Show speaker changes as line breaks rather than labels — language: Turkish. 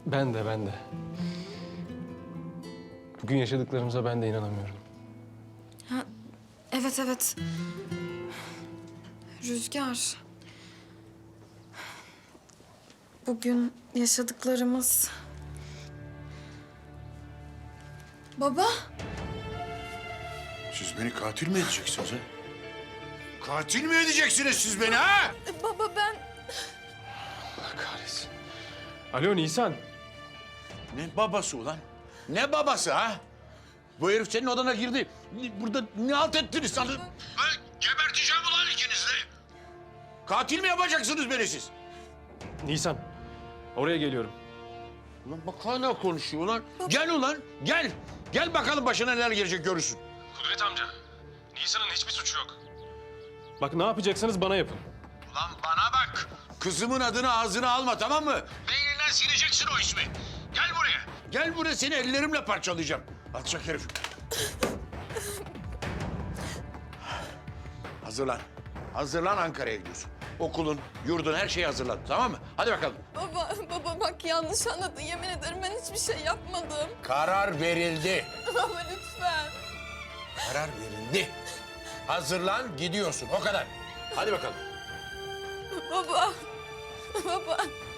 Ben de. Bugün yaşadıklarımıza ben de inanamıyorum.
Ha, evet. Rüzgar. Bugün yaşadıklarımız... Baba.
Siz beni katil mi edeceksiniz ha? Katil mi edeceksiniz siz beni ha?
Baba ben...
Allah kahretsin. Alo Nisan.
Ne babası ulan? Ne babası ha? Bu herif senin odana girdi. Burada ne halt ettiniz sanırım? Geberteceğim ulan ikinizi de. Katil mi yapacaksınız beni siz?
Nisan. Oraya geliyorum.
Ulan bak hala konuşuyor ulan. Gel ulan, gel. Gel bakalım başına neler gelecek görürsün.
Kudret amca. Nisan'ın hiçbir suçu yok. Bak ne yapacaksınız bana yapın.
Ulan bana bak. Kızımın adını ağzına alma, tamam mı? Beyninden sileceksin o ismi. Gel buraya. Gel buraya, seni ellerimle parçalayacağım. Alçak herif. Hazırlan. Hazırlan, Ankara'ya gidiyorsun. Okulun, yurdun, her şeyi hazırlan, tamam mı? Hadi bakalım.
Baba bak yanlış anladın. Yemin ederim ben hiçbir şey yapmadım.
Karar verildi.
Baba lütfen.
Karar verildi. Hazırlan, gidiyorsun. O kadar. Hadi bakalım.
Baba.